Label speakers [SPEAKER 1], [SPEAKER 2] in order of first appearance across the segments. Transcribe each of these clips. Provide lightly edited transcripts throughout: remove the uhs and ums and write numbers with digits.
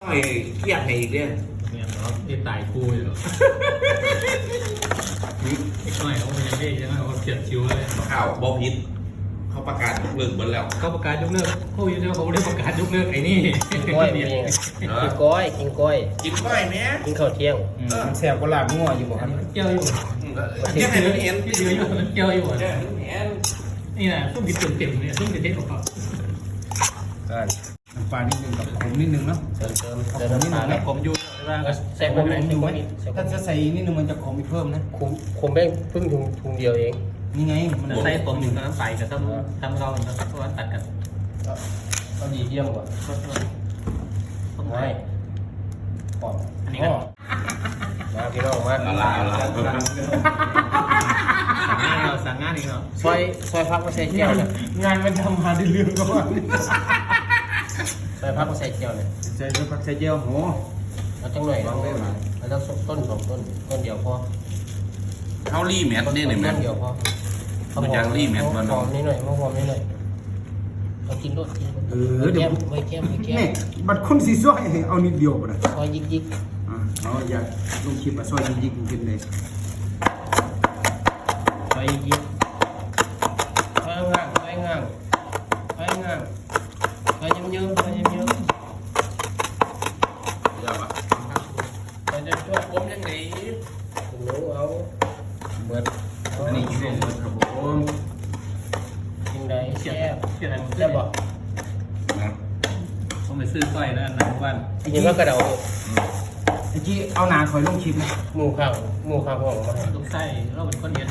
[SPEAKER 1] อยเครียดให้อีกเนี่ย
[SPEAKER 2] เนี่ยเนาะไอ้ตายกูอยู่ไอ้ก้อยเขาเป็นยังไงใช่ไหมเขาเขียนคิวเลย
[SPEAKER 1] ข่าวบอพิษเขาประกาศเลิกหมดแล้ว
[SPEAKER 2] เขาประกาศยกเลิกเขาอยู่แล้วเขาได้ประกาศยกเลิกไอ้นี่
[SPEAKER 3] ก้อยมีกินก้อยกินก้อย
[SPEAKER 1] กินก้อยไหม
[SPEAKER 3] กินข้าวเที่ยง
[SPEAKER 4] มันแซ่บกว่าลาบงัวอยู่บ่ครับ
[SPEAKER 2] เกี่ยวอยู่
[SPEAKER 1] เที่ยงให้มันเห็น
[SPEAKER 2] เกี่ยวอยู่เกี่ยวอยู่
[SPEAKER 1] เที่ยงให้มันเห็น
[SPEAKER 2] นี่นะต้องมีเต็มเนี่ยต้องเป็นเด็ดของเขา
[SPEAKER 3] กัน
[SPEAKER 4] น้ำปลานิดนึงกับขมนิดนึงเนาะ
[SPEAKER 3] เติมน้ำตาล
[SPEAKER 2] แล้วผมอยู่ใช่ป่ะ
[SPEAKER 3] ใส่ผมดูไหม
[SPEAKER 4] ถ้าจะใส่นิดนึงมันจะขมอีกเพิ่มนะ
[SPEAKER 3] คุมแม่งเพิ่งถุงเดียวเอง
[SPEAKER 4] นี่ไงมัน
[SPEAKER 2] ใส่ผมหนึ่งกับน้ำใสกับทำเราเหมือนกันเพราะว่าตัดกัน
[SPEAKER 3] ก็ดีเยี่ยมกว่า
[SPEAKER 2] ต้อง
[SPEAKER 3] ไม่
[SPEAKER 2] ไว้
[SPEAKER 3] ก่อน
[SPEAKER 2] อันนี้ก็
[SPEAKER 3] มาพี่น้องมา
[SPEAKER 1] ละลายละลาย
[SPEAKER 2] สั่งงานอีกเนาะ
[SPEAKER 3] ซอยพักมาใส่แก้วเนี่ย
[SPEAKER 4] งานมันทำมาได้เรื่องก็ว่า
[SPEAKER 3] ซอยพักมาใส่แก้วเนี่ย
[SPEAKER 4] ใส่ผักใส่เจียวโห
[SPEAKER 3] เอาจังหน่อยเราต้องต้นสองต้นเดียวพอ
[SPEAKER 1] เขารีแมทนี่หนึ่งแม
[SPEAKER 3] ต้
[SPEAKER 1] ท
[SPEAKER 3] นเดียวพอ
[SPEAKER 1] มันยังรีบแม่นบ่
[SPEAKER 3] ห
[SPEAKER 1] เนาะ
[SPEAKER 3] อมนิดหน่อยหอมนิดหน่อยเอากินรสกินแก้มไม่แก้ม
[SPEAKER 4] นี่บัดคนสีซอยเอานิดเดียวบ่ได้
[SPEAKER 3] ซอยยิก
[SPEAKER 4] เอาอย่าลงคลิปอ่ะซอยยิกๆกินเลย
[SPEAKER 3] ซอยยิกซอยง่างซอยง่างซอยง่างซอยเยิ้มซอยเยิ้ม
[SPEAKER 1] เดี๋ยวอ่ะ
[SPEAKER 3] ซอยจะช่วย
[SPEAKER 1] ผมยังไง
[SPEAKER 3] หนูเอาเบิด
[SPEAKER 4] อันนี้ช่วงครับผม
[SPEAKER 3] กินได้
[SPEAKER 2] เขียน
[SPEAKER 3] แซ่บ
[SPEAKER 2] เขียนอะไรมัน
[SPEAKER 3] แซ่บบ่
[SPEAKER 1] นะ
[SPEAKER 2] ผมไปซื้อก้อยนะนักวัน
[SPEAKER 3] กินก็กระเดา
[SPEAKER 4] ไอ้จี้เอาหนาคอยลงคลิปนะ
[SPEAKER 3] หมูข้างห้องมาให้
[SPEAKER 2] ต้องใส่เราเป็นคนเดียว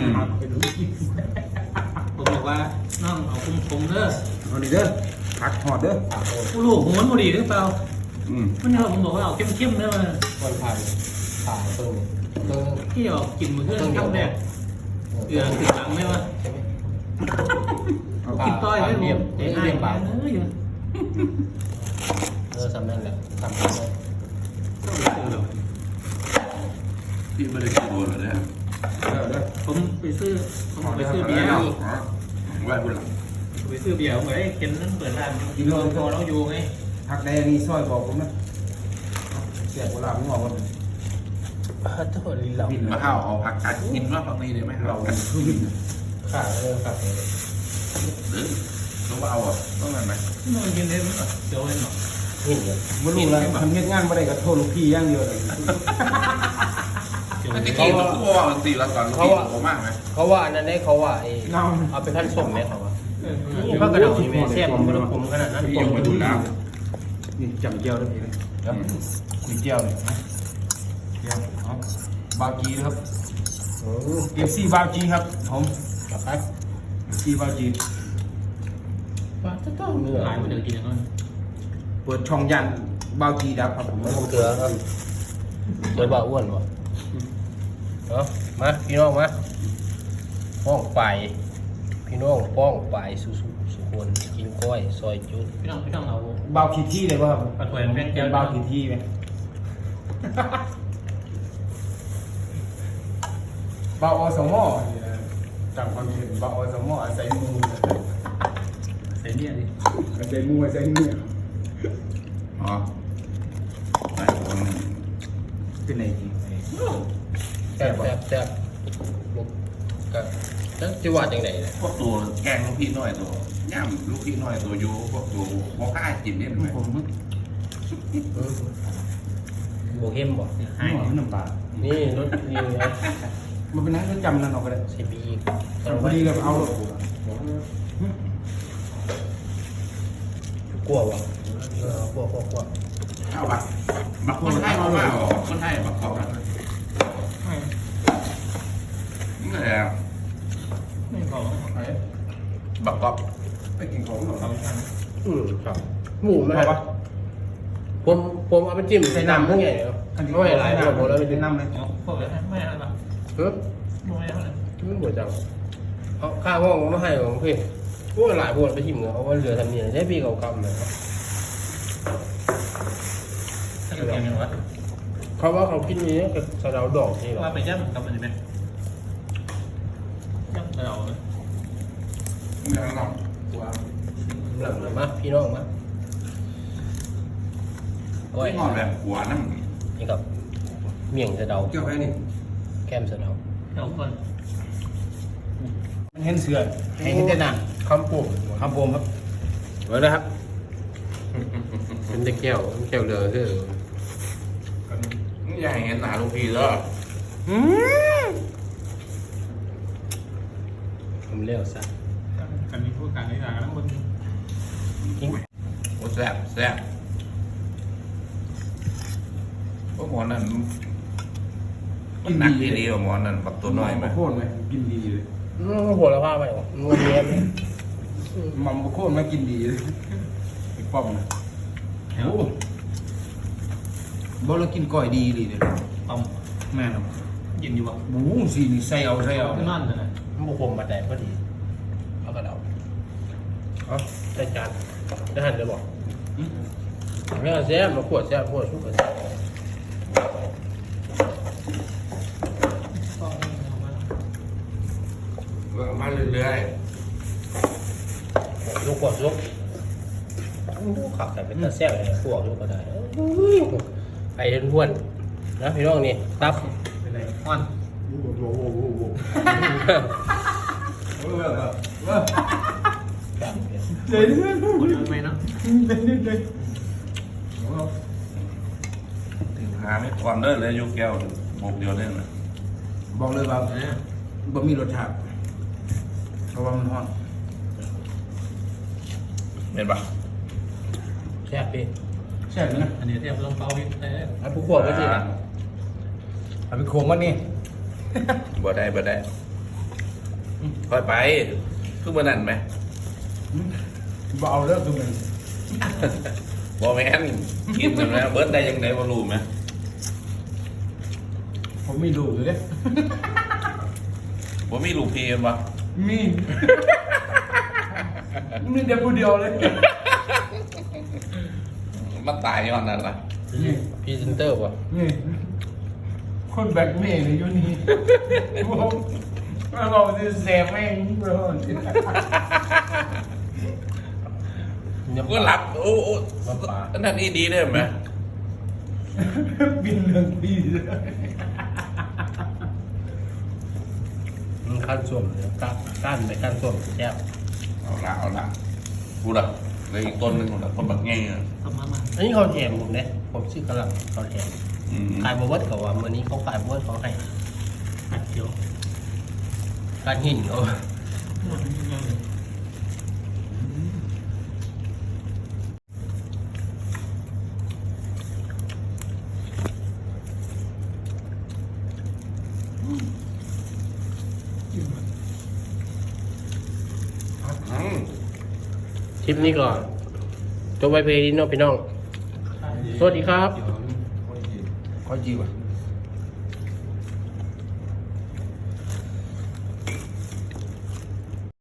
[SPEAKER 2] ผมบอกว่าน้องเอาคุมเด้อ
[SPEAKER 4] เอานี่เด้อผักหอดเด้อ
[SPEAKER 2] ผู้ลูกผมมันพอดีหรือเปล่า
[SPEAKER 1] อืม
[SPEAKER 2] วันนี้ผมบอกว่าเอาเข้มๆเด้อ
[SPEAKER 3] วันผ่านเพิ่ง
[SPEAKER 2] ที่ออกกินมือเพื่อนครั้งแรกเดือดติดหลังไหมวะ
[SPEAKER 3] ใช่ไหม
[SPEAKER 2] กินต้อยไม่รู้เรียบเปล่า
[SPEAKER 3] สำนั่นแหละสำนั่นเลย
[SPEAKER 1] พี่ไม่ได้กินโดนเลยนะ
[SPEAKER 2] ผมไปซื้อเบียร์
[SPEAKER 1] ไหวบุญหลัง
[SPEAKER 2] ไปซื้อเบียร์ผมไปกินนั่นเปิดร้านกินโลโซเราอยู่ไง
[SPEAKER 4] ผักแดงนี่ซอยบอกผมนะแซ่บกว่าลาบงัวบ่
[SPEAKER 3] ตัวลิ้นเรา
[SPEAKER 1] มาข้าวเอาผักกัดกินว่าผักนี้ได้ไหมเรา
[SPEAKER 4] คือวิน
[SPEAKER 3] ขาเลยขาเลย
[SPEAKER 1] หรือต้องเอาอ่ะต้องอะไรไหม
[SPEAKER 2] นอนกินได้ไหมเดี๋ยวเล่นหรอ
[SPEAKER 3] หินเลย
[SPEAKER 4] บ่รู้แล้วทำเฮ็ดงานบ่ได้ก็โทษลูกพี่อย่างเดียวเลย
[SPEAKER 1] ไม่ได้กินเราพูดว่าตีละก่อนเขาบอกมากไหม
[SPEAKER 3] เขาว่าอันนั้นได้เขาว่าเอาไปขั้นส้มไหมเขาว่านี่พระกระเดานี่แม่แซ่บมันขมขนาดนั้น
[SPEAKER 1] พี่ยังมาดูแล้ว
[SPEAKER 4] นี่จำเจียวได้พี่เลยนี่เจียวเลยเจียวเอาบาวจีครับ FC บาวจีครับผม
[SPEAKER 3] กลับไป
[SPEAKER 4] FC บาวจี
[SPEAKER 3] ป้าจะต้องเนื้อ
[SPEAKER 2] หลายคนเดี๋ยวกินอย่างนั้น
[SPEAKER 4] เปิดช่องยันบาวจีดับครับผม
[SPEAKER 3] มันคงเกลือครับเกลือบ่าอ้วนวะเนาะมาพี่น้องมาป้องไปพี่น้องป้องไปสุคนกินก้อยซอยจุด
[SPEAKER 2] พี่น้องเอา
[SPEAKER 4] บาวขีที่เลยว่า
[SPEAKER 2] ปลาถวยเป็น
[SPEAKER 4] เป็
[SPEAKER 2] แก้
[SPEAKER 4] น
[SPEAKER 2] ว
[SPEAKER 4] บาวขีที่ไหมบาวอสมอจำความเห็นบาวอสมออาศัยมู
[SPEAKER 2] ใส่เนี่ยดิ
[SPEAKER 4] อาศัยมูอาศัยเนี่ย
[SPEAKER 1] อ๋อไปคน
[SPEAKER 4] เป็นไงจริง
[SPEAKER 3] แซ่บก็จะว่าจังไหนเนี่ย
[SPEAKER 1] พวกตัวแกงลูกพี่น้อยตัวย่ำลูกพี่น้อยตัวโยพวกตัวพวกข้ากินเนี่ยไหม
[SPEAKER 4] ผมมึก
[SPEAKER 3] โบเข้มบ่
[SPEAKER 2] ให้
[SPEAKER 4] หัวน้ำปลา
[SPEAKER 3] นี่รสนี่นะ
[SPEAKER 4] มันเป็นนักจำนั่นออกก็ได้
[SPEAKER 3] ใส่บี
[SPEAKER 4] พอดีเลยเอา
[SPEAKER 3] กลัววะกลัว
[SPEAKER 1] เอาปะมาคนไทยมาว่าคนไทยมาขอบนี่แหละ
[SPEAKER 2] ไม่พอ
[SPEAKER 1] บักกอบ
[SPEAKER 4] ไปกินของหน่อย
[SPEAKER 3] ครับหมูไหมครับผมเอาไปจิ้มใส่น้ำเพื่อไงเนาะไม่หลายผมแล้วไป
[SPEAKER 4] เป็
[SPEAKER 3] จิ้
[SPEAKER 4] น
[SPEAKER 3] ม
[SPEAKER 4] น้ำเลย
[SPEAKER 2] พวกเลยไม่อะไรหรอก
[SPEAKER 3] เฮ้ย
[SPEAKER 2] ไม่อะไร
[SPEAKER 3] ไม่หมดจังเอาข้าวห้องมาให้ของพี่พวกหลายพวกไปจิ้มเนาะเอาว่าเรือทำเนี่ยใช้ปีเก่าๆเลยครับ
[SPEAKER 2] ถ้าอยู่อย่างนี้วะ
[SPEAKER 3] เขาว่าเขากินนี้กับสะเดาดอกนี่หรอ
[SPEAKER 2] ว่าไปย่ำกับมันจะเป็นย่ำเรา
[SPEAKER 1] ไม่ต้อง
[SPEAKER 3] หลังมาพี่น้องมาก้อย
[SPEAKER 1] ไม่งอนแบบหัวนั่ง
[SPEAKER 3] นี่ครับเมี่ยงสะเดา
[SPEAKER 4] เกี่ยวกับนี่
[SPEAKER 3] แก้มสะเดา
[SPEAKER 2] เดี๋ยวก่อน
[SPEAKER 4] มันเห็นเสือเห็นแต่หนัง
[SPEAKER 3] คำปุ่ม
[SPEAKER 4] คำโปมครับไว้เลยครับ
[SPEAKER 3] เป็นตะแก้วแก้วเรือคือ
[SPEAKER 1] อย่าให้เห็นหนาลูกพี่แล้ว
[SPEAKER 3] ผมเลี้ยวซะ
[SPEAKER 2] กันมีผู้การในร้านแล้วมึง
[SPEAKER 1] โอ้แซ่บแซ่บโอ้หมอนั่นมันหนักดีๆกว่าหมอนั่นปักตัวน้อยไหม
[SPEAKER 4] โคตรไหมกินดีเลย
[SPEAKER 3] หัวละผ้าไปหรอนัวเนียน
[SPEAKER 4] มัมโคตรไหมกินดีเลยไอ้ป้อมนะโอ้บ่เรากินก้อยดีเลยเนี่ย
[SPEAKER 2] ต้ม
[SPEAKER 4] แม่ครับ
[SPEAKER 2] ยินอยู่บ่
[SPEAKER 4] หมูสีนี่ใส่เอา
[SPEAKER 2] ขึ้นนั่นเลยนะ
[SPEAKER 3] มันบุคมมาแต่พอดีเอากระเดาเอาได้จานได้หันเลยบอกไม่เอาแซ่บมาขวดแซ่บขวดชุบกันแซ่บ
[SPEAKER 1] มาเรื่อย
[SPEAKER 3] ลูกขวดลูกลูกขับแต่เป็นตาแซ่บเลยขวดลูกก็ได้ไปเห็นพวนนะพี่น้องนี่ตับ
[SPEAKER 2] เป็นไรอ่อน
[SPEAKER 4] โอ้โหโอ้โหโอ้โหเดี๋ยว
[SPEAKER 2] กดไหมเนาะ
[SPEAKER 1] ๆหาไม่ก่อนเด้อเลยยกแก้วบกเดียวเล่นนะ
[SPEAKER 4] บอกเลยว่าบ่มีรสชาติเพราะว่ามันฮ้อน
[SPEAKER 1] เห็นปะ
[SPEAKER 3] แซ่บพี่
[SPEAKER 4] แซ่บนะ
[SPEAKER 2] อันนี้เทียบลงเปล่าพี่แต่
[SPEAKER 3] เอาผู้ขวดก็สิ
[SPEAKER 4] เอาไปโคมวันนี้
[SPEAKER 1] บ่ได้ค่อยไปคือมันนั่นไหม
[SPEAKER 4] บ่เอาเลิกดูมัน
[SPEAKER 1] บ่แม่นกินมันแล้วเบิร์ดได้ยังไงบ่รู้ไหม
[SPEAKER 4] ผมมีดูอยู่เด้
[SPEAKER 1] บ่มีลูกพี่กันปะ
[SPEAKER 4] มีมีเดียวผู้เดียวเลย
[SPEAKER 1] มันตายย้อนนั่นล่ะ
[SPEAKER 4] นี่
[SPEAKER 3] พรีเซนเตอร์ป่ะ
[SPEAKER 4] นี่คนแบกเมย์เลยอยู่นี่ผมเราจะแสบแม่งเบอร์
[SPEAKER 1] ก็หลับโอ้อันนั้นนี่ดีได้ไหม
[SPEAKER 4] บินเรื่องปีเลย
[SPEAKER 3] มันขั้นส้วมเลยกั้นไปขั้นส้วมแซ่บ
[SPEAKER 1] เอาละพูดละเลยอีกต้นหนึงคนละคนแบบง่ายอ่ะ
[SPEAKER 2] ต้มมา
[SPEAKER 3] อันนี้เขาแถมผมเนี่ยผมชื่อกำลังเขาแถม ขายบวชกับว่าวันนี้เขาขายบวชเขาให้
[SPEAKER 2] ผัดเขียว
[SPEAKER 3] การหินเขา คลิปนี้ก่อนจบไปเพลงนี้เน้องพี่น้อง สวัสดีครับ
[SPEAKER 4] ค่อยจีว่ะ